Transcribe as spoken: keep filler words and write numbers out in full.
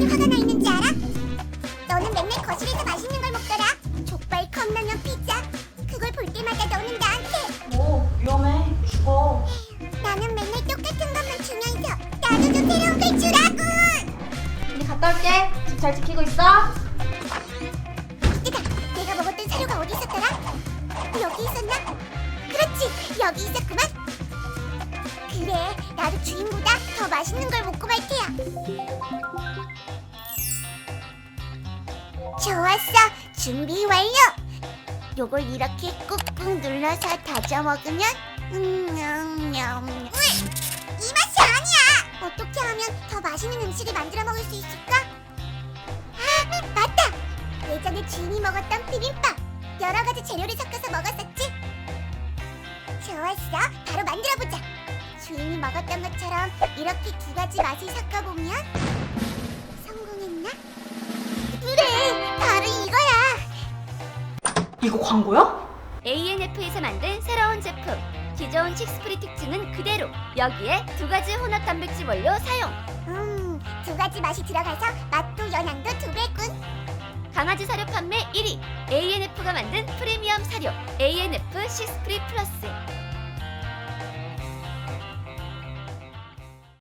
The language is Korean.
많이 화가 나 있는지 알아? 너는 맨날 거실에서 맛있는 걸 먹더라. 족발, 컵라면, 피자. 그걸 볼 때마다 너는 나한테 오, 위험해. 죽어. 나는 맨날 똑같은 것만 주면서 나도 좀 새로운 걸 주라고. 언니 갔다 올게. 집 잘 지키고 있어. 뜨다. 내가 먹었던 사료가 어디 있었더라? 여기 있었나? 그렇지, 여기 있었구만. 그래, 나도 주인보다 더 맛있는 걸 먹고 말 테야. 좋았어, 준비 완료. 요걸 이렇게 꾹꾹 눌러서 다져 먹으면 음냠냠. 이 맛이 아니야. 어떻게 하면 더 맛있는 음식을 만들어 먹을 수 있을까? 아, 맞다. 예전에 주인이 먹었던 비빔밥. 여러 가지 재료를 섞어서 먹었었지. 좋았어, 바로 만들어보자. 주인이 먹었던 것처럼 이렇게 두 가지 맛을 섞어보면 성공했나? 그래, 바로 이거야. 이거 광고야? 에이엔에프에서 만든 새로운 제품. 기존 식스프리 특징은 그대로. 여기에 두 가지 혼합 단백질 원료 사용. 음, 두 가지 맛이 들어가서 맛도 영양도 두 배군. 강아지 사료 판매 일 위. 에이엔에프가 만든 프리미엄 사료 에이엔에프 식스프리 플러스.